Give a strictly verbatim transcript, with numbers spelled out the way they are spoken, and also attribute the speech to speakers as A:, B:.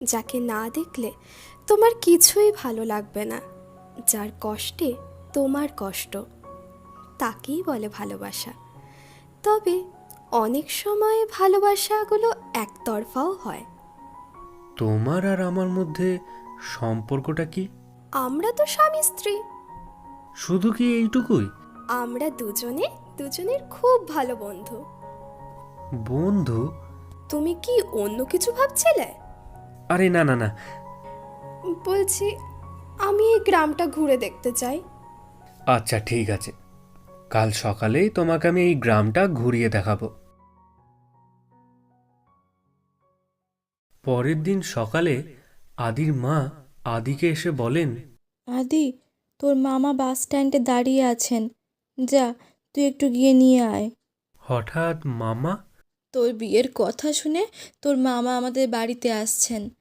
A: যাকে না দেখলে তোমার কিছুই ভালো লাগবে না, যার কষ্টে তোমার কষ্ট, তাকেই বলে ভালোবাসা। তবে অনেক সময় ভালোবাসাগুলো একতরফাও হয়।
B: তোমার আর আমার মধ্যে সম্পর্কটা কি?
A: আমরা তো স্বামী স্ত্রী।
B: শুধু কি এইটুকুই?
A: আমরা দুজনে দুজনের খুব ভালো বন্ধু।
B: বন্ধু?
A: তুমি কি অন্য কিছু ভাবছিলে?
B: আরে না না না।
A: বলছি, আমি এই গ্রামটা ঘুরে দেখতে চাই।
B: আচ্ছা ঠিক আছে, কাল সকালেই তোমাকে আমি এই গ্রামটা ঘুরিয়ে দেখাবো। পরের দিন সকালে আদির মা আদিকে এসে বলেন,
C: আদি, তোর মামা বাস স্ট্যান্ডে দাঁড়িয়ে আছেন, যা তুই একটু গিয়ে নিয়ে আয়।
B: হঠাৎ মামা?
C: তোর বিয়ের কথা শুনে তোর মামা আমাদের বাড়িতে আসছেন,